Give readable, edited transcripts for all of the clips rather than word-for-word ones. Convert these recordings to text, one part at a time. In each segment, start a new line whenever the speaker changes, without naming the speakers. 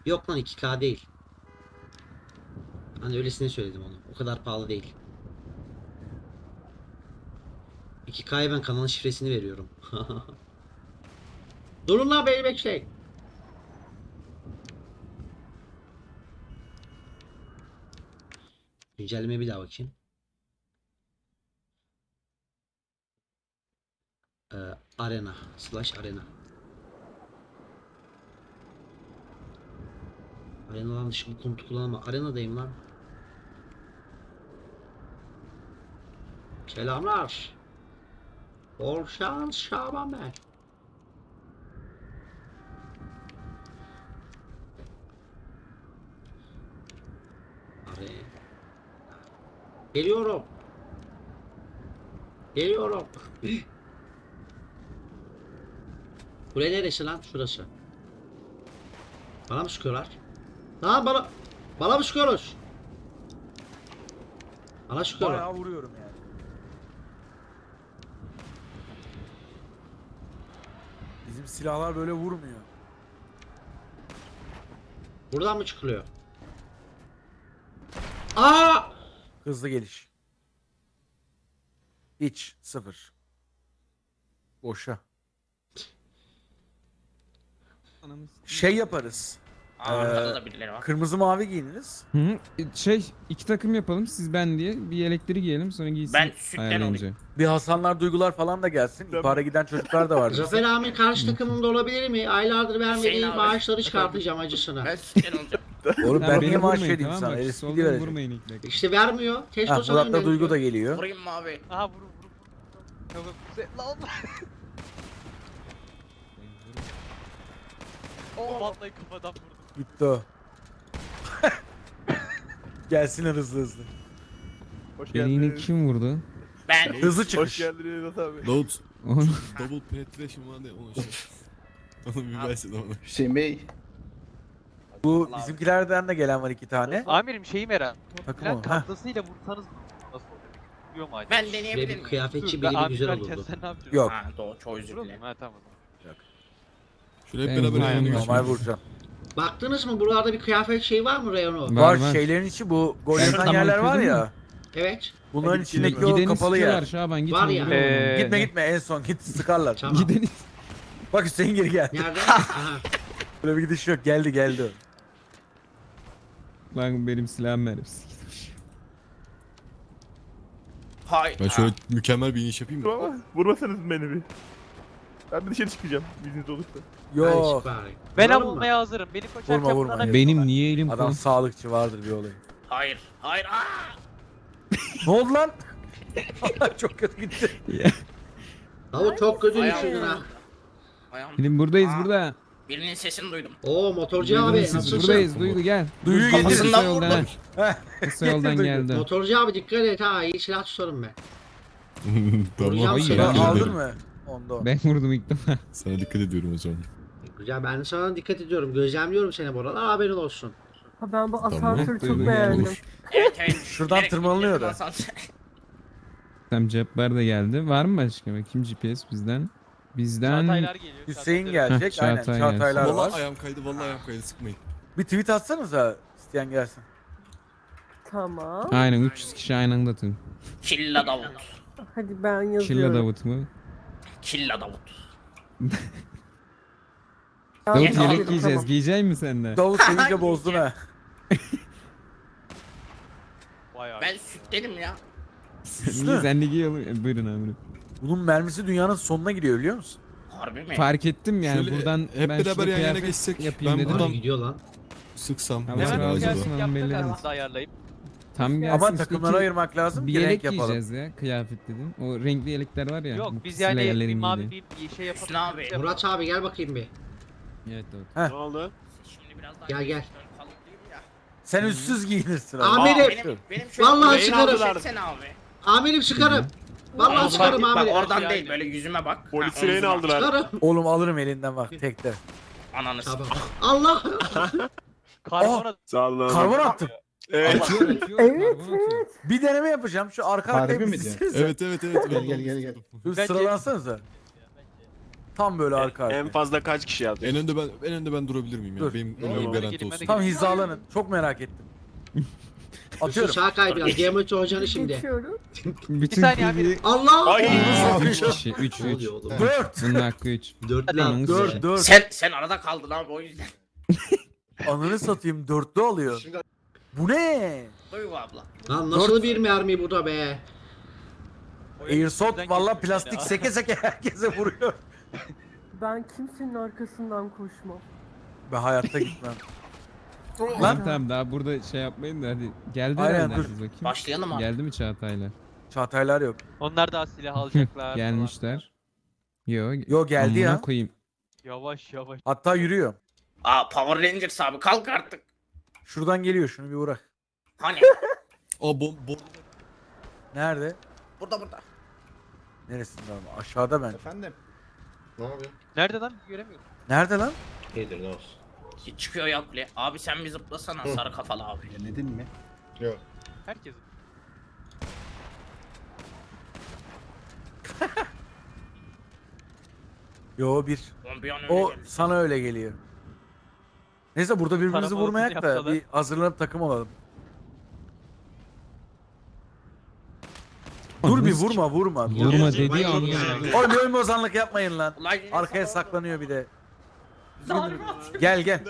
Yok lan 2K değil. Hani öylesine söyledim onu. O kadar pahalı değil. 2K'ya ben kanalın şifresini veriyorum. Durun lan beni bekleyin. Güncellemeye bir daha bakayım. Arena. /arena. Arena'dan dışı bu komutu kullanma. Arena'dayım lan. Selamlar. Bol şans Şaban ben. Arena. Geliyorum. Geliyorum. Buraya neresi lan? Şurası. Bana mı sıkıyorlar? Lan bana mı sıkıyoruz? Bana sıkıyorlar.
Bayağı vuruyorum yani. Bizim silahlar böyle vurmuyor.
Buradan mı çıkılıyor? Aa!
Hızlı geliş. Hiç. Sıfır. Boşa. Şey yaparız.
Arkada da birileri var.
Kırmızı mavi giyiniriz.
Hı hı. İki takım yapalım siz ben diye bir elektriği giyelim sonra giysin
Ben sütten
ayarlayınca.
Bir Hasanlar Duygular falan da gelsin. İpara giden çocuklar da var.
Zafer Amir karşı takımımda olabilir mi? Aylardır vermediği
Hüseyin abi.
maaşları çıkartacağım acısına.
Ben sütten olacağım.
Oğlum ben
Ha,
niye
beni
maaş
vurmayın,
vereyim
tamam
sana?
bak,
LSPD
soldan
verecek.
vurmayın ilk dakika.
İşte vermiyor. Testo
Ha,
sana
Murat'la Duygu da geliyor.
Vurayım mı abi?
Aha vurun. Tamam. Lan. Oh vallahi kafadan vurdum.
Gitti o. Gelsinler hızlı hızlı.
Hoş
Beni yine
geldiniz.
kim vurdu?
Ben
Hızlı
Hoş
çıkış.
geldiniz Murat abi.
Load
Onu
double penetration var ne onu işte. Onu bir versene ona.
Hüseyin Bey.
Bu bizimkilerden de gelen var 2 tane.
Amirim şeyi merak.
Takım
Lan
o. Heh.
kablasıyla vursanız nasıl olur? Vuruyor mu acaba?
ben
Ve
deneyebilir
bir
miyim?
kıyafetçi
Ben
biri bir güzel
amirim
olurdu.
sen ne yapacaksın?
Yok.
Ha doğru çok özür
Vuralım
dilerim.
mı? Ha tamam.
Şöyle hep
Ben
beraber
vurayım
yanına
ya.
Normal
geçelim.
vuracağım.
Baktınız mı buralarda bir kıyafet şey var mı reyonu?
Var,
Var
var.
şeylerin içi bu gol
Ben
yatan
tamam,
yerler var
kırdın
ya.
mı?
Evet.
Bunların içindeki o
gideni
kapalı
sıkıyorlar
yer.
Şaban gitme.
Var ya.
vuralım onu.
Gitme en son git sıkarlar.
Tamam.
Gideni.
Bak Hüseyin geri gel.
Nerede? Aha.
Böyle bir gidiş yok. Geldi o.
Lan benim silahım mermisi gitmiş.
Hayır.
Ben şöyle mükemmel bir iniş yapayım mı?
Ama vurmasanız beni bir. Ben bir dışarı çıkacağım. Bilginiz olursa.
Hadi
Yok.
çık bari.
Ben
Vuralım mı?
avulmaya hazırım. Beni koçarken
Vurma, vurma.
bunlara-
Benim niye elim
Adam
kolum?
sağlıkçı vardır bir olay.
Hayır. Hayır. Aa!
Ne oldu lan? Çok kötü gitti.
Davut çok kötü
Ayağım
düşürdün ha.
vurdu. Ayağım.
Film buradayız
Aa.
burada.
Birinin sesini duydum.
Oo motorcu abi
Siz
nasılsın?
buradayız Duygu gel.
Duygu
Kafası
getirsin
kısa
lan
yoldan
vurdum.
ha. Kısa yoldan
Duygu.
geldi.
Motorcu abi dikkat et ha iyi silah tutarım ben.
Tamam.
Vuracağım
Ay,
seni.
ben
Teşekkür
Aldın
ederim.
mı? Onda o.
Ben vurdum ilk defa.
Sana dikkat ediyorum o zaman.
Güzel ben de sana dikkat ediyorum. Gözlemliyorum seni bu arada haberin olsun.
Ha ben bu
Tamam.
asansörü çok
Duygu
beğendim.
Olur.
Evet evet.
Şuradan
Bilerek
tırmanılıyor
gittim
da.
asansöre.
Tam cepler de geldi. Var mı başka? Bakayım GPS bizden. Bizden
Çağataylar geliyor.
Hüseyin
Çağataylar.
gelecek.
Heh,
Aynen.
Çağatay
Çağataylar
Vallahi
var.
ayağım kaydı, vallahi ayağım kaydı, sıkmayın.
Bir tweet atsanıza isteyen gelsin.
Tamam.
aynen 300 kişi aynı anda tüm.
Killa Davut.
Hadi ben
Killa
yazıyorum.
Davut mu?
Killa Davut.
Davut
Yes,
yelek
aldım,
giyeceğiz. Giyecek misin sen de?
Davut sevince bozdun ha.
Bayağı.
Ben sütlerim ya.
Niye sen de giy oğlum? Buyurun amirim.
Bunun mermisi dünyanın sonuna gidiyor biliyor musun?
Harbi mi?
Fark ettim yani
Şöyle
buradan
hep
ben
beraber
şurada
yan yana
kıyafet
geçsek,
yapayım
ben
dedim.
buradan-
Hadi gidiyor lan.
Sıksam
Tamam,
mesela
tamam,
acaba.
gelsin.
Yaptık
belli
arasında ayarlayıp.
Tam gelsin.
Ama
işte
takımlara ayırmak lazım
bir
ki renk
yelek
yapalım.
giyeceğiz ya kıyafet dedim. O renkli yelekler var ya.
Yok
bu
biz
kızıl
yani bir
yerlerin
mavi
giydiği.
bir şey yapalım.
Hüsnü abi.
Murat abi gel bakayım bir.
Evet evet.
Ne oldu?
Şimdi biraz daha
Gel, gel.
kalıplıyım ya.
Sen üstsüz giyinirsin.
Amirim.
Benim şöyle
Vallahi
bir
çıkarım.
çeksene abi.
Amirim sıkarım. Vallahi
Bak,
sıkarım
bak,
amirim.
oradan değil böyle yüzüme bak.
Polis
Ha,
sireni
omzuma.
aldılar.
Sıkarım.
Oğlum alırım elinden bak tekte.
Ananı
Tamam.
s***.
Allah.
Karbona
Sağ olun.
Karbon attım.
Evet.
Atıyor, atıyor,
Evet,
karbon atıyor.
Bir deneme yapacağım. Şu arka
Harbi
arkaya
mi
bir
diyor?
dizsenize.
Evet evet evet.
Gel gel gel gel.
Dur
Bence-
sıralansanıza. Tam böyle arka arkaya.
En fazla kaç kişi aldı?
En önde ben durabilir miyim ya?
Dur.
Benim
Dur.
önümü garanti
Gelin,
olsun.
hadi
Tam hizalanın. Çok merak ettim.
Üstü
Atıyorum.
sağ kay biraz. Geometri hocanı şimdi.
Geçiyorum.
Bütün
saniye abi.
kuleyi-
Allah!
Ay!
3 kişi 3
Ne
3.
oluyor oğlum?
4.
Bunun hakkı 3.
Dörtlü
Ananı
attı.
satayım.
4.
Sen arada kaldın abi o yüzden.
Ananı satayım 4'lü alıyor. Bu ne?
Duygu abla.
Lan nasıl bir mermi bu da be?
Airsoft valla plastik
ya.
seke seke herkese vuruyor.
Ben kimsenin arkasından koşmam.
Ben hayatta gitmem.
Lan tamam daha burada şey yapmayın da hadi. Geldi
Aynen,
herhalde
dur.
herkes bakayım.
Başlayalım abi.
Geldi mi Çağatay'la?
Çağataylar yok.
Onlar daha silah alacaklar.
Gelmişler. Yo.
Yo geldi
amına
ya.
koyayım.
Yavaş yavaş.
Hatta yürüyor.
Aa Power Rangers abi kalk artık.
Şuradan geliyor şunu bir uğrak.
Hani?
Aa
Nerede?
Burada.
Neresinde ama? Aşağıda ben.
Efendim?
Ne yapıyor?
Nerede lan? Göremiyorum.
Nerede lan?
İyidir ne olsun.
Çıkıyor ya kule. Abi sen bir zıplasana sarı kafalı abi.
Denedin mi?
Herkes.
Yo bir.
Oğlum bir an önce
O
gel.
sana öyle geliyor. Neyse burada birbirimizi
Taramalı
vurmayak da
yapsalar.
bir hazırlanıp takım olalım. Dur bir vurma vurma.
Vurma dediği
Vay
an
ya.
Oğlum ölüm bozanlık yapmayın lan.
Ulan yine
Arkaya
sana-
saklanıyor bir de. Gel gel.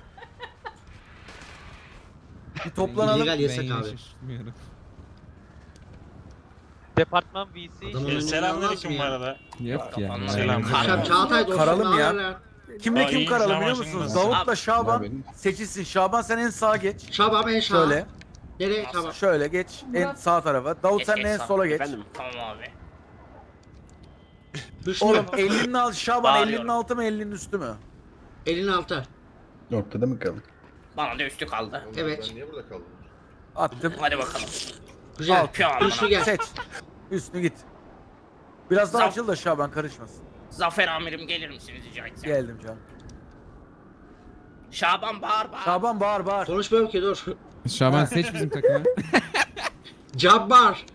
Bir toplanalım.
İllegal
Ben
yasak
yine
abi.
şaşırmıyorum.
Departman VC.
Adamın önüne
Selamünaleyküm
almaz
bu
mı ya?
arada.
Yok ya.
Kafanla
selam.
Akşam Çağatay dostum
Karalım
ne
ya.
haber?
Kimle
Aa,
kim
iyi,
karalı
selam
biliyor
aleyküm.
musunuz? Davut'la
Abi.
Şaban seçilsin. Şaban sen en sağa geç.
Şabap en sağ.
Şöyle.
Nereye Şabap?
Şöyle geç. En sağ tarafa. Davut
Geç,
sen
geç
en
sağ.
sola geç.
Efendim?
Tamam abi.
Hüsnü.
Oğlum elinin altı Şaban
Bağırıyorum.
elinin altı mı elinin üstü mü?
Elin altı.
Ortada mı kaldık?
Bana da üstü kaldı.
Evet.
Attım.
Hadi bakalım.
Güzel.
Yapıyor amına.
Hüsnü gel.
Seç. Üstünü git. Biraz daha
Zaf-
açıl da Şaban karışmasın.
Zafer amirim gelir misiniz rica etsem?
Geldim canım.
Şaban bağır.
Şaban bağır bağır.
Konuşmuyorum ki dur.
Şaban seç bizim takımı.
Cabbar.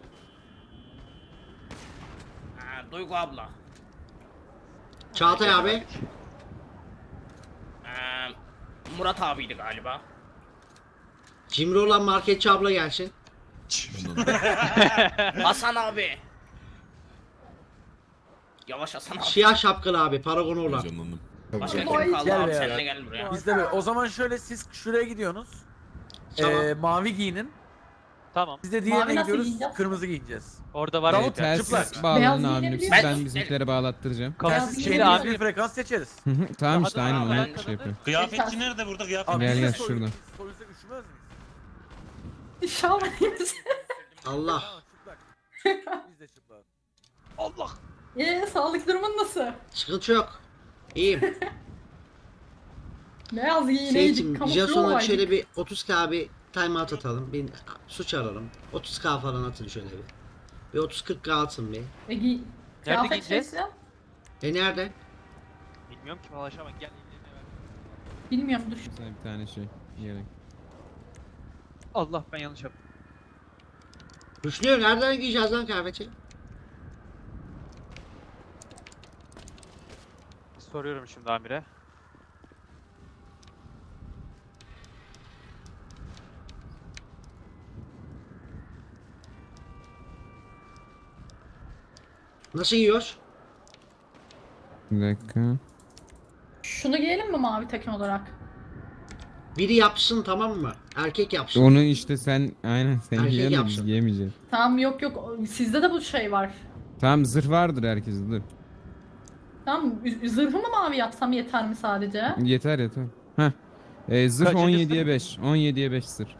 Duygu abla.
Çağatay abi.
Murat abiydi galiba.
Cimri olan marketçi abla gelsin.
Hasan abi. Yavaş Hasan abi.
Siyah şapkalı abi. Paragonu olan.
Heyecanlandım.
Başka
Vay.
kim kaldı
Gel
abi
be
sen
ya.
de gel buraya.
Biz de böyle. O zaman şöyle siz şuraya gidiyorsunuz.
Tamam.
Mavi giyinin.
Tamam.
Biz de diğerine
Mavi nasıl
gidiyoruz.
giyeceğiz?
Kırmızı giyineceğiz.
Orada var
Davut,
bir tane.
çıplak.
Telsiz bağlanın
Beyaz
amirim.
giyinebilir
Ben
miyim?
bizimkileri bağlattıracağım.
Kafası
Telsiz
şeyle
şeyle
abi.
bir frekans seçeriz.
Tamam işte
Daha da-
aynen
ben-
onu şey yapıyor.
Kıyafetçi nerede burada kıyafet?
Abi
Gel,
biz de
gel
soyuz-
şuradan.
soyuzda üşümez miyiz?
Şaban iyi misin?
Allah.
Tamam, çıplak. Biz de çıplak.
Allah.
Sağlık durumun nasıl?
Sıkıntı yok. İyiyim.
Beyaz
Seyit'im,
giyineydik, kamufle
Jason'a
olaydık.
şöyle bir 30k bir timeout atalım. Bir suç ararım. 30k falan atın şöyle bir. Bir 30-40k atın bir.
Kıyafet
giyeceğiz?
şeysi?
Nerede?
Bilmiyorum ki valla Şaban gel ellerine ver.
Bilmiyorum dur.
Sana bir tane şey. Gerek.
Allah ben yanlış yaptım.
Hüsnü nereden giyeceğiz lan kıyafeti?
Soruyorum şimdi amire.
Nasıl giyiyoruz?
Bir dakika.
Şunu giyelim mi mavi takım olarak?
Biri yapsın tamam mı? Erkek yapsın.
Onu işte sen aynen sen
Erkek
giyemedin,
yapsın.
giyemeyeceksin.
Tamam yok sizde de bu şey var.
Tamam zırh vardır herkeste dur.
Tamam zırhı mı mavi yapsam yeter mi sadece?
Yeter yeter. Heh. Zırh
Kaçıncı
17'ye 5. 17'ye 5 zırh.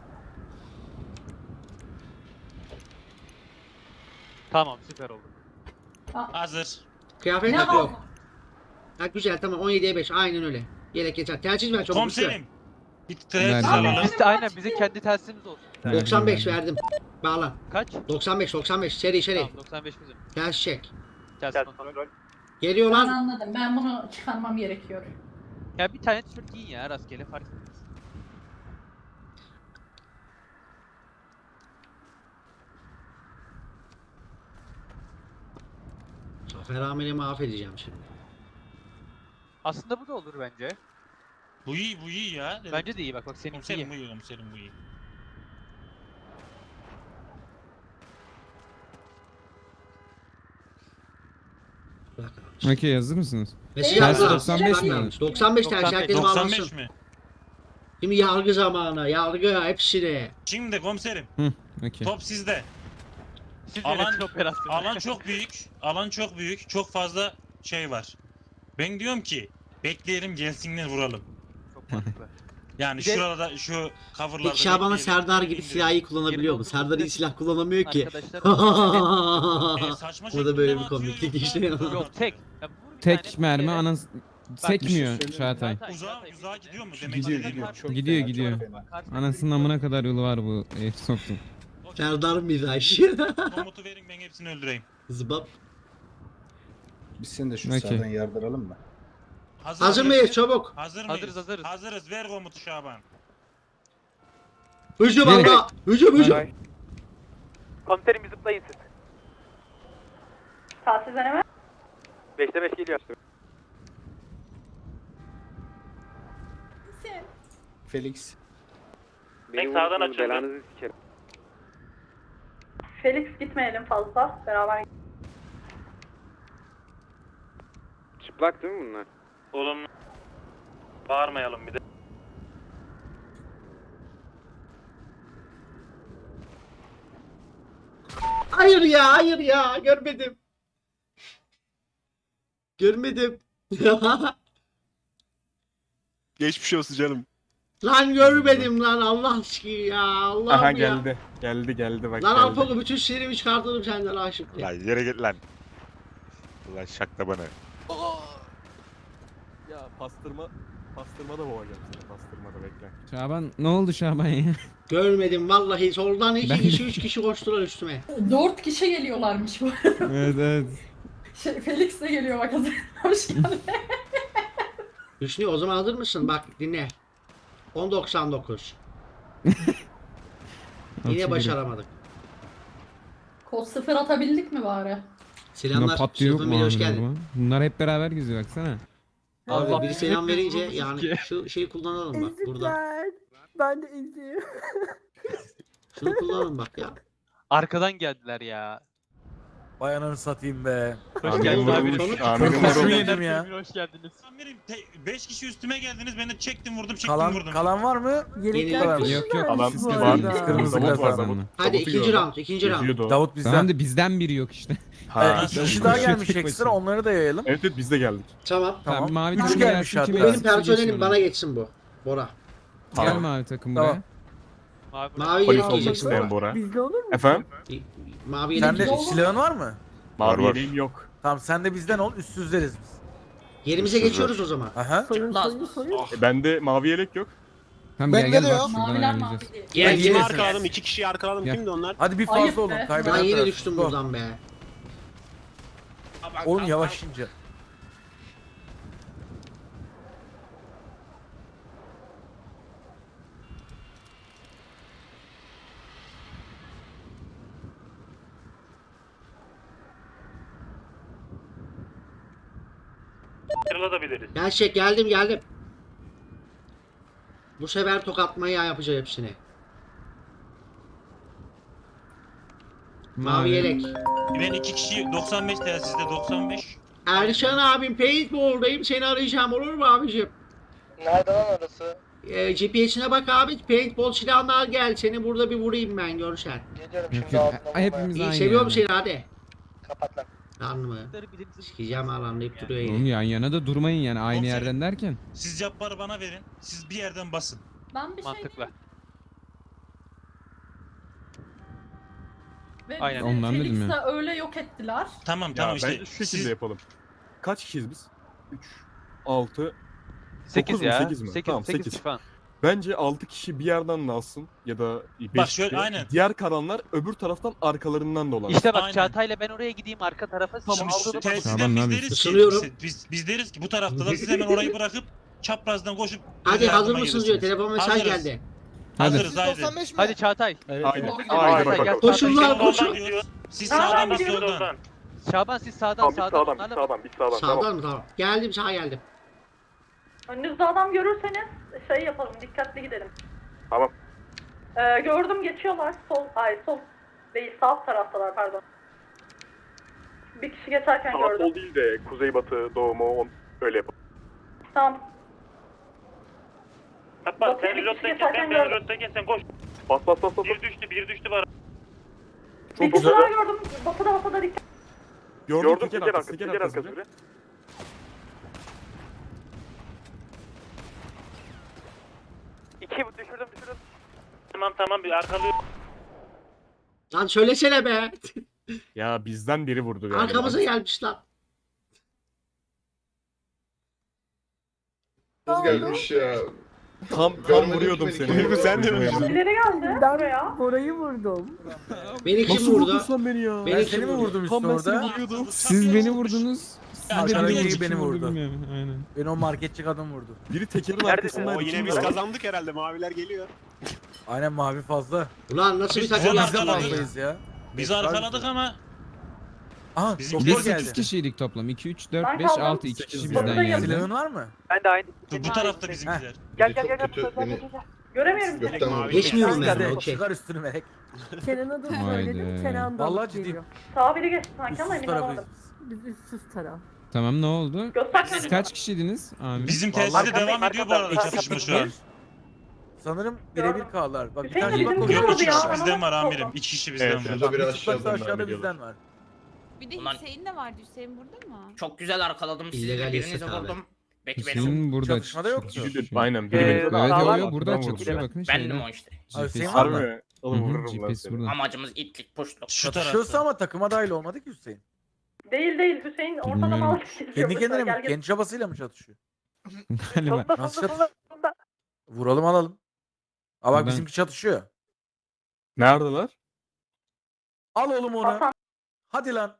Tamam süper oldu.
Hazır.
Kıyafet
Ne
yok.
al?
Ha, güzel tamam 17'ye 5 aynen öyle. Yelek yeter. Tercih ver çabuk.
Komiserim. Bir
Ver
tren
canım.
alalım.
Biz de aynen bizim kendi telsizimiz olsun.
95 verdim. Bağlan.
Kaç?
95 seri
Tamam 95 bizim.
Ters çek.
Telsiz kontrol.
Geliyor
Ben
lan.
anladım. Ben bunu çıkarmam gerekiyor.
Ya bir tane tişört giyin ya rastgele fark etmez.
Zafer Amir'i mahvedeceğim şimdi.
Aslında bu da olur bence.
Bu iyi, bu iyi ya.
Bence de iyi bak seninki iyi.
Komiserim bu iyi, komiserim bu iyi.
Bırak abi.
Okey, hazır mısınız?
Mesaj
Tersi
yazdı.
95 mi?
95 tersi
95.
herkes
95
bağlansın.
mi?
Şimdi yargı zamanı. Yargı hepsini.
Şimdi komiserim,
Okey.
top sizde.
Siz
Alan-
yönetin operasyonu.
Alan çok büyük, alan çok büyük, çok fazla şey var. Ben diyorum ki, bekleyelim gelsinler vuralım.
Çok mantıklı.
Yani
Bir de-
şurada, şu coverlarda
Peki Şaban'a
bekleyelim,
Serdar gibi
indirelim.
silahı kullanabiliyor mu?
29
Serdar iyi silah kullanamıyor ki.
Arkadaşlar.
Saçma
Burada
şekilde
böyle
mi
bir
atıyor
komiklik
yoksa-
işte.
Yok tek. Ya vur bir
Tek
tane,
mermi
bir
anan sekmiyor
söyleyeyim.
Çağatay.
Uzağa gidiyor mu? Demek
Gidiyor,
istediğim
gidiyor.
o.
Çok
Gidiyor,
fena,
gidiyor.
çok fena.
Anasının amına kadar yolu var bu Airsoft'un.
Serdar mizaj.
Komutu verin, ben hepsini öldüreyim.
Zıbap.
Biz seni de şu
Okey.
sağdan yardıralım mı?
Hazır mıyız? Çabuk.
Hazır mıyız?
Hazırız.
Hazırız. Ver komutu Şaban.
Hücum
Nereye?
abla. Hücum.
Komiserim bir zıplayın siz.
Telsiz deneme.
5'te 5 geliyor.
Felix.
Beni sağdan açıldı.
Felix gitmeyelim fazla. Beraber.
Çıplak değil mi bunlar?
Oğlum bağırmayalım bir de.
Hayır ya, hayır ya. Görmedim. Görmedim.
Geçmiş olsun canım.
Lan görmedim lan Allah aşkına ya. Allah'ım
Aha
ya.
geldi. Geldi bak
Lan
geldi.
Alpago bütün sinirimi çıkartırım senden aşık diye.
Lan yere git lan. Ulan şakla bana.
Ya pastırma da boğacağım seni. Pastırma da bekle.
Şaban ne oldu Şaban ya?
Görmedim vallahi. Soldan iki
Ben-
kişi, 3 kişi koştular üstüme.
4 kişi geliyorlarmış bu arada.
Evet evet.
Felix de geliyor bak hazır. Hoş geldin.
Hüsnü o zaman hazır mısın? Bak dinle. 10.99. Yine
Okey.
başaramadık.
Kod 0 atabildik mi bari?
Buna
Selamlar.
patlıyor yok
Sülfü
mu
Bey, hoş
amirim
geldin.
bu? Bunlar hep beraber geziyor baksana.
Abi
Allah
biri selam
hepimiz
verince
vurmuşuz
yani
ki.
şu şeyi kullanalım bak burada.
Ezikler. Ben de eziyim.
Şunu kullanalım bak ya.
Arkadan geldiler ya.
Vay ananı satayım be.
Hoş geldin abi.
Amirim
Kurşun
vurulmuş.
yedim ya.
Hoş geldiniz.
Amirim 5 kişi üstüme geldiniz. Ben de çektim vurdum
Kalan var mı?
Yelekler
Var.
kırmızı
Yok, yok.
vermiş
Siz
bu
var.
arada.
Kırmızı
Davut var,
kazandı.
Davut.
Hadi
Davut'u
ikinci
gördüm.
round, ikinci round.
Yüzüyordu o.
Davut bizden.
Tamam da bizden biri yok işte.
Ha.
İki kişi daha gelmiş
Tek
ekstra
başına.
onları da yayalım.
Evet biz de geldik.
Tamam.
Tamam. Mavi
Üç
takım
gelmiş
gelsin, kim
hatta.
Benim
gelsin,
personelim
geçsin
bana
ona.
geçsin bu. Bora.
Gel mavi takım
Tamam.
buraya.
Mavi
Mavi
Polis
yelek
olmak
giyeceksin
isteyen
Bora.
Bora.
Bizde olur mu?
Efendim?
Mavi yelek
Sende
giyeceksin.
silahın var mı?
Mavi
var.
yeleğim yok.
Tamam sen de bizden ol üstsüzleriz biz.
Yerimize geçiyoruz o zaman.
Aha.
Soyun
Laz-
soyun soyun.
Bende mavi yelek yok.
Tamam gel gel bak şuradan
Maviler
ayarlayacağız.
mavi değil.
Gel
Ben
gel.
arkaladım,
2 kişiyi arkaladım.
Gel.
Kimdi onlar?
Hadi bir
Ayıp
fazla olun.
be.
Kaybeden
Ben yine
taraf.
düştüm
Go.
buradan be.
Oğlum yavaş ince.
Kırılabiliriz.
Gel çek geldim. Bu sefer tokatmaya yapacağım hepsini. Mavi yelek.
Ben 2 kişi 95 telsizde 95.
Erşan abim paintball'dayım seni arayacağım olur mu abicim?
Nerede lan orası?
GPS'ine bak abi paintball silahını al gel seni burada bir vurayım ben görsen.
Geliyorum
Yok yok. Hepimiz
İyi
aynı
seviyorum
yani.
seni hadi.
Kapat lan.
Lan mı? Sikeceğim alanlayıp duruyor
Oğlum
yine.
yan yana da durmayın yani aynı
Komiserim.
yerden derken.
Siz Cabbar'ı bana verin. Siz bir yerden basın.
Ben bir şey
Mantıklı.
Ve
Aynen.
bizi
Ondan dedim
Felix'le öyle yok ettiler.
Tamam
Ya
tamam
ben
işte.
şu şekilde
Siz
yapalım. Kaç kişiyiz biz? 3, 6.
8
Dokuz mu,
ya.
sekiz mi?
8
Tamam,
8
sekiz.
falan.
Bence 6 kişi bir yerden de alsın ya da 5
Bak şöyle, aynen.
Diğer kalanlar öbür taraftan arkalarından dolan.
İşte bak
Aynen.
Çağatay'la ben oraya gideyim arka tarafa.
Şimdi
Tamam, aldım.
telsizden
Tamam,
biz
abi.
deriz ki
Isınıyorum.
biz deriz ki bu taraftalar siz hemen orayı bırakıp çaprazdan koşup
Hadi
yardıma
hazır mısınız diyor
gelirsiniz.
telefon mesaj
Hazırız.
geldi.
Hadi.
Hazırız haydi.
Hadi Çağatay.
Aynen.
Doğru gidiyor.
Aynen
Çağatay, gel
bakalım.
Koşun
Çağatay.
lan, koşun.
Siz sağdan biz soldan.
Şaban siz sağdan sağdan. Onlarla
biz sağdan.
Sağdan mı tamam. Geldim sağa geldim.
Önünüzde adam görürseniz şey yapalım, dikkatli gidelim.
Tamam.
Gördüm, geçiyorlar. Sol değil, sağ taraftalar, pardon. Bir kişi geçerken
Sağ
gördüm.
sol değil de kuzeybatı, doğumu öyle yapalım.
Tamam.
Hatta
Bakın,
sen
bir
reload'dayken
kişi
ben
geçerken
reload'dayken sen koş.
Bas bas bas bas.
Bir düştü var.
Bir kişi daha gördüm. Batıda dikkat.
Gördüm teker arkası biri.
Düşürdüm.
Tamam bir arkalıyor.
Lan söylesene be.
Ya bizden biri vurdu galiba.
Arkamıza gelmiş lan.
gelmiş
ya.
Tam vuruyordum seni.
Duygu sen de mi?
İleri geldi buraya.
Ben orayı vurdum.
Beni kim
Nasıl
vurdu?
vurdun sen beni ya?
Beni
Ben
kim
seni mi
vurdu?
vurdum üstüne
Tam ben seni
orada?
vuruyordum.
Siz beni vurdunuz. Siz de
Aşağıdaki
beni
biri beni vurdu.
bilmiyorum. Aynen.
Beni o marketçi kadın vurdu.
Biri tekerin
Neredesin?
arkasındaydı.
O yine biz kazandık herhalde. Maviler geliyor.
Aynen mavi fazla.
Ulan nasıl bir
Biz
takım
güzel
Biz de
yaptılar ya?
fazlayız ya.
Biz arkaladık ama
Aha
Bizim
doktor
Biz
Biz
8
geldi.
kişiydik toplam. 2, 3, 4,
Ben
5,
kaldım.
6. 2 kişi
Sekiz
bizden
buradayım.
geldi.
Silahın var mı?
Ben de aynı.
bu tarafta bizimkiler.
Gel.
Göremiyorum seni.
Mavi
Geçmiyorum
Hadi
ben. Okey.
çıkar üstünü melek.
Kenan'a da
Haydi.
söyledim. Kenan da
Vallahi
alıp
ciddiyim.
geliyor.
Sağa biri geçti sanki ama
Üstsüz
emin
tarafıyız.
olamadım.
Biz üstsüz taraf.
Tamam ne oldu?
Göster
Siz
kendini.
kaç kişiydiniz? Amin.
Bizim
Vallahi
tesiste devam ediyor bu arada
Eksik
çatışma şu an.
bir. Sanırım birebir kaldılar. Bak bir
Hüseyin
tane
bizim
bak
kim
Yok
koşuyor.
vurdu
2
ya?
kişi
Bana
bizden var
nasıl
amirim.
oldu?
2 kişi bizden
Evet,
var.
şurada
Bir çıplakta aşağıda
geliyorlar.
bizden var.
Bir de
Ulan-
Hüseyin de vardı. Hüseyin burada mı?
Çok güzel arkaladım sizi.
İllegal
Birinizi
yasak abi.
vurdum. Peki benim.
Hüseyin burada
Çatışmada yoktu.
çatışıyor.
Aynen biri
Ee,
beni.
Evet
Sağ
yo
var.
burada
Buradan
çatışıyor
vurdu.
bakın
Bendim
şeyde.
o işte.
Abi
GPS
Hüseyin var mı?
Harbi. Oğlum
Hı hı,
vururum lan
GPS
seni.
burada.
Amacımız itlik puşluk.
Şu
Çatışıyorsa
tarafta.
ama takıma dahil olmadı ki Hüseyin.
Değil Hüseyin ortada
Bilmiyorum.
mal.
Kendi kendine mi? Kendi çabasıyla mı çatışıyor?
Galiba.
Nasıl çatışıyor? Vuralım alalım. Aa bak
Buradan-
bizimki çatışıyor.
Neredeler?
Al oğlum onu.
Hasan.
Hadi lan.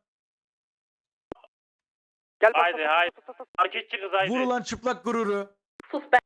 Gel
Haydi haydi. Marketçi kız haydi.
Vur ulan çıplak gururu.
Sus be.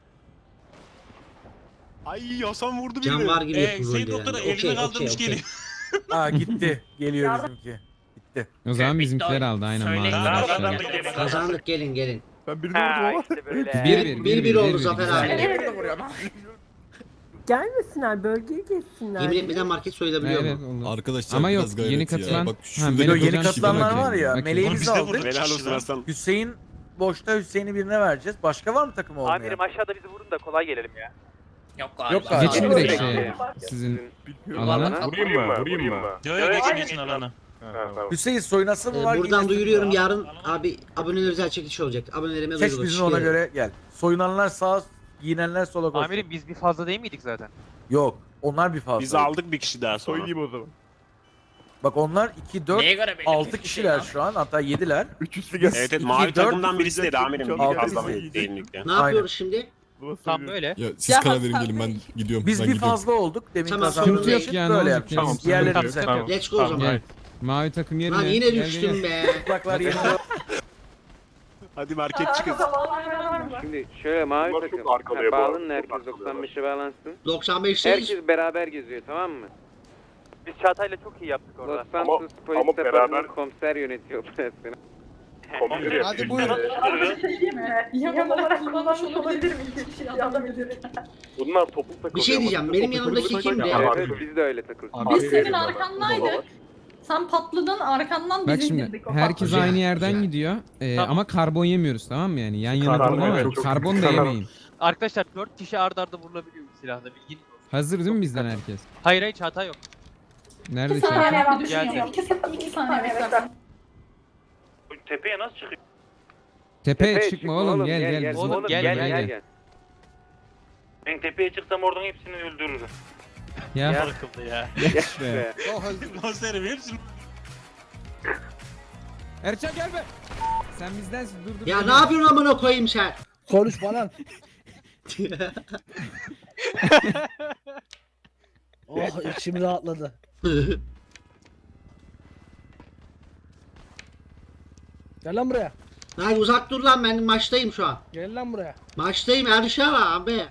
Ay Hasan vurdu
Can
beni.
var gibi yapın
Hüseyin
rolde
doktora
yani.
elini
Okey
kaldırmış
okey okey.
geliyor.
Aa gitti. Geliyor
Yardım-
bizimki. Gitti.
O zaman
Bitti
bizimkiler
oyun.
aldı aynen
Söyleyin.
maviler
Tamam,
aşağıya.
kazandık gene.
Kazandık gelin.
Ben birini vurdum ama.
işte böyle.
Bir oldu Zafer
güzel.
abi.
Evet.
Gelmesinler, bölgeye geçsinler.
Yemin etmeden market soyulabiliyor
Evet
mu?
olur.
Arkadaşlar
Ama yok
biraz gayret
yeni
ya.
katılan.
Bak
Ha,
şurada
Melek
Yeni
hocam
katılanlar
şimdi
var ya,
bakayım.
meleği
Oğlum
biz
biz de
aldık.
vurduk.
Helal olsun Hasan.
Hüseyin boşta Hüseyin'i birine vereceğiz. Başka var mı takım olmayan?
Amirim aşağıda bizi vurun da kolay gelelim ya.
Yok galiba.
Yok galiba.
Geçin
Yok,
direkt
yok.
şeye. Sizin
Bilmiyorum.
alana.
Vurayım mı?
Yo yo geçin alana.
Ha, tamam.
Hüseyin soynası mı var?
Buradan
giymesin mi
duyuruyorum
var?
yarın abi aboneler özel çekiliş olacak. Abonelerime
Seç
duyurulur.
bizi ona göre gel. Soyunanlar sağa, giyinenler sola koşsun.
Amirim biz bir fazla değil miydik zaten?
Yok. Onlar bir fazla.
Biz aldık bir kişi daha sonra.
Soyunayım o zaman.
Bak onlar 2, 4,
Neye göre belli
6
bir
kişiler
şey
şu an. Hatta 7'ler.
Üçüncüsü gelsin.
Evet
İki,
mavi
dört,
takımdan birisi dedi amirim.
altı
Fazla
bizi.
değinlikte.
Ne yapıyoruz şimdi?
Tam böyle.
Ya siz
Ya
karar verin
Hasan
gelin ben
Bey.
gidiyorum.
Biz
ben
bir
gidiyorum.
fazla olduk. Demin
Tamam,
kazandığımız
sıkıntı yok
için
yani,
böyle
olacak
yapacağız.
yani.
Diğerleri
Tamam,
bize.
tamam.
Let's go o zaman.
Gel. Mavi takım yerine.
Lan yine
Gel, gel,
düştüm
gel.
be.
Çıplaklar yeni.
Hadi market çıkın.
Şimdi şöyle mavi
Bunlar
takım.
çok arkalıyor bu arada.
Bağlanın herkes
Çok arkalıyorlar.
95'e bağlansın.
95'teyiz.
Herkes beraber geziyor tamam mı?
Biz Çağatay'la çok iyi yaptık
Los
orada.
Santos Polis
ama beraber-
Departmanı komiser yönetiyor operasyonu.
Komiseri
Hadi
yapıyor.
buyurun.
Abi bir şey diyeyim mi? Yam olarak kullanmış olabilir miyim? Bir şey yazabilirim.
Bunlar toplu takılıyor.
Bir şey diyeceğim, benim yanımdaki kimdi?
Evet biz de öyle takılıyoruz.
Biz senin arkandaydık. Sen patladın, arkandan
Bak
bizi
şimdi
indirdik.
herkes
Güzel,
aynı yerden
güzel.
gidiyor.
Tamam.
Ama karbon yemiyoruz tamam mı yani? Yan yana
Karbon,
durma
evet,
ama
çok
karbon da
güzel.
yemeyin.
Arkadaşlar 4 kişi arda arda vurulabiliyor bu silahla bilgin.
Hazır değil mi bizden herkes?
Hayır hayır Çağatay yok.
Nerede
2 saniye
Çağatay?
ben düşünüyorum. 2 saniye bekle.
Tepeye nasıl çıkıyor?
Tepeye çıkma oğlum gel gel. bizim-
Oğlum, gel.
Ben tepeye çıksam oradan hepsini öldürürüm.
Ya
Yakıldı ya.
be.
Konserim hepsini.
Erçan gel be. Sen bizdensin dur dur.
Ya ne yapıyorsun amına koyayım sen?
Konuşma lan. Oh içim rahatladı. Gel lan buraya.
Lan uzak dur lan, ben maçtayım şu an.
Gel lan buraya.
Maçtayım Erşan abi.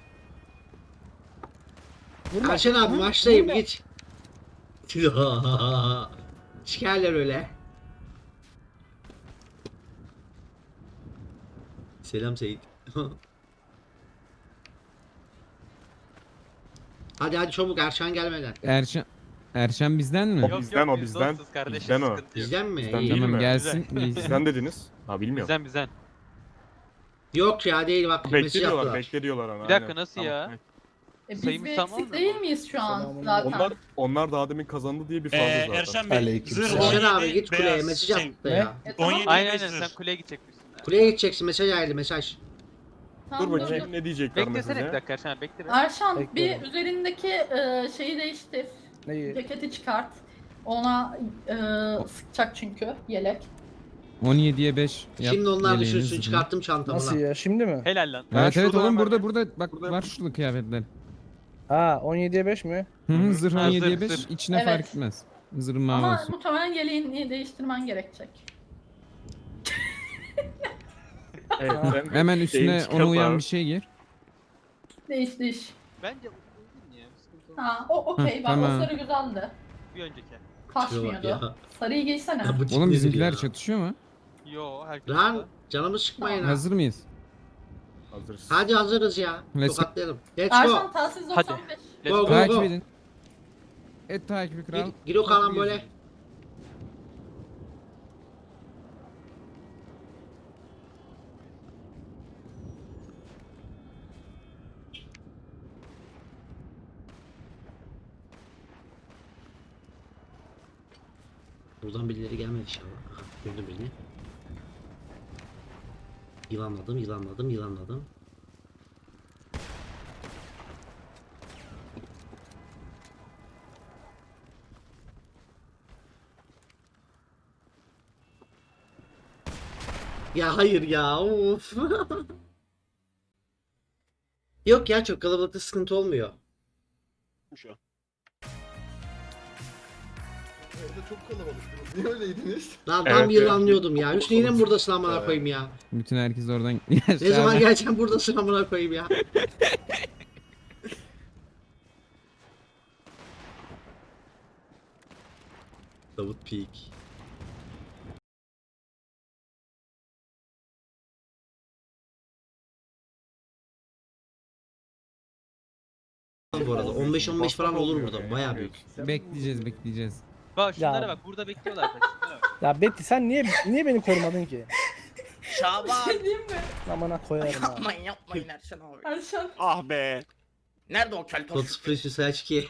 Erşan abi maçtayım git. Şikerler öyle. Selam Seyit. Hadi çabuk Erşan gelmeden.
Erşen bizden mi?
O bizden, o
biz
bizden.
dostuz kardeşim,
Bizden o.
sıkıntı yok.
Bizden mi?
Bizden
İyi.
değil
Tamam
mi?
gelsin.
Bizden dediniz. Ha bilmiyorum.
Bizden.
Yok ya değil bak mesaj
Bekle diyorlar,
yaptılar.
bekle diyorlar ona.
Bir dakika,
aynen.
nasıl
Tamam,
ya?
evet.
Biz
Sayımız
bir
tamam
eksik
mı?
değil miyiz şu an
Tamam.
zaten?
Onlar daha demin kazandı diye bir fazla zaten.
Erşen Bey
Aleyküm
zırh
selam.
17
Erşen abi git kuleye
beyaz
mesaj
şey,
attı ya.
Tamam.
17
Aynen
beyaz
sen
zırh.
kuleye gidecekmişsin.
Kuleye gideceksin mesaj geldi mesaj.
Tamam,
Dur bakayım ne diyecekler
Beklesene bir
mesajı.
dakika Erşen abi, bekle be.
Erşan bir
Bekliyorum.
üzerindeki şeyi değiştir.
Neyi?
Ceketi çıkart. Ona sıkacak çünkü yelek.
17'ye 5 yap.
Şimdi onlar
yeleğini,
düşünsün
zırhını.
çıkarttım çantamı
Nasıl
lan.
ya? Şimdi mi?
Helal lan.
Evet evet
şurada
oğlum
hemen-
burada bak
Burada
var şurada kıyafetler.
Ha 17'ye 5 mi?
Hı zırh
Ha,
17'ye
zırh,
5
zırh.
içine
Evet.
fark etmez. Zırhın mavi
Ama
olsun.
muhtemelen yeleğini değiştirmen gerekecek.
Evet, ben-
Hemen üstüne
çıkart
ona uyan
abi.
bir şey giy.
Değiş.
Bence uygun ya. Sıkıntı olmaz.
Ha o okey
Hı,
bak
tamam.
o sarı güzeldi.
Bir önceki.
Şuraya bak
Kaçmıyordu. Sarıyı giysene.
Ya bu tip
Oğlum
nedir
bizimkiler
ya?
çatışıyor mu?
Yo herkes.
Lan canımı sıkmayın ha.
Hazır mıyız?
Hazırız.
Hadi hazırız ya.
Let's go.
Tokatlayalım. Let's go.
Erşan telsiz
Hadi.
95.
Let's
Go,
go.
go.
Takip edin. Et takibi kral.
Gir o kalan böyle. Buradan birileri gelmedi inşallah. Aha, gördüm birini. Yılanladım. Ya hayır ya of. Yok ya çok kalabalıkta sıkıntı olmuyor.
Şu an.
Orada çok kalabalıktınız. Niye öyleydiniz?
Lan
Evet,
tam
evet.
yılanlıyordum ya. Hüsnü yine mi buradasın amına
Evet.
koyayım ya?
Bütün herkes oradan
Ne zaman geleceğim buradasın amına koyayım ya? Davut Peak. Bu arada 15-15 falan olur burada. Bayağı büyük.
bekleyeceğiz.
Bak şunlara
Ya.
bak, burada bekliyorlar. Şunlara bak.
Ya Betty sen niye beni korumadın ki?
Şaban.
Değil mi?
Amına koyarım ha.
Yapmayın Erşen abi.
Erşan.
Ah be.
Nerede o keltoş?
Totus Precious Saç ki.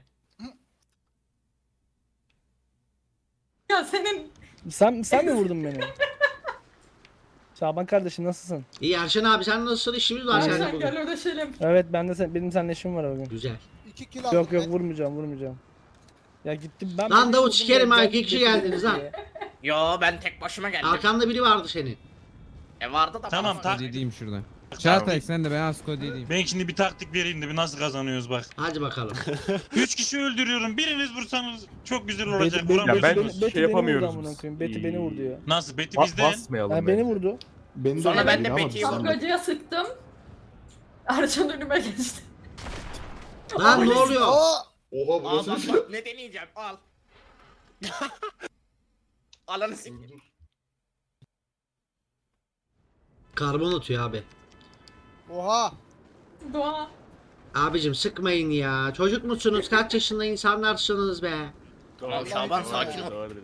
Ya senin
Sen mi vurdun beni? Şaban kardeşim nasılsın?
İyi Erşen abi sen nasılsın? İşimiz var seninle
Erşan
bugün.
gel ödeşelim.
Evet benim seninle işim var bugün.
Güzel.
2 kilo
Yok vurmayacağım. Ya gittim ben.
Lan Davut
vurdum,
sikerim ha,
ben
2 kişi
Betty
geldiniz
vurdu
lan.
ya.
Yo ben tek başıma geldim.
Arkanda biri vardı senin.
Vardı da
Tamam,
bana-
tak.
Dediğim şurada. Çağatay sen de ben Asko dediğim.
Ben şimdi bir taktik vereyim de bir nasıl kazanıyoruz bak.
Hadi bakalım.
3 kişi öldürüyorum. Biriniz vursanız çok güzel
Betty,
olacak.
Betty,
Ya ben-
Vuramıyorsunuz.
Betty
şey
beni
yapamıyoruz
vurdu amına
biz.
koyayım. Betty beni vurdu ya.
Nasıl? Beti bizden.
Basmayalım
Yani beni
bence.
vurdu.
Beni
Sonra ben de
ama
Betty'yi
biz-
vurdum.
Şapkacıya sıktım. Erşan önüme geçti.
Lan ne oluyor?
Oha
Al
burası
bak
bir şey.
bak ne deneyeceğim al. Alanı siktir.
Karbon atıyor abi.
Oha.
Doğa.
Abicim sıkmayın ya. Çocuk musunuz? Kaç yaşında insanlarsınız be?
Tamam Şaban sakin ol.
Doğru.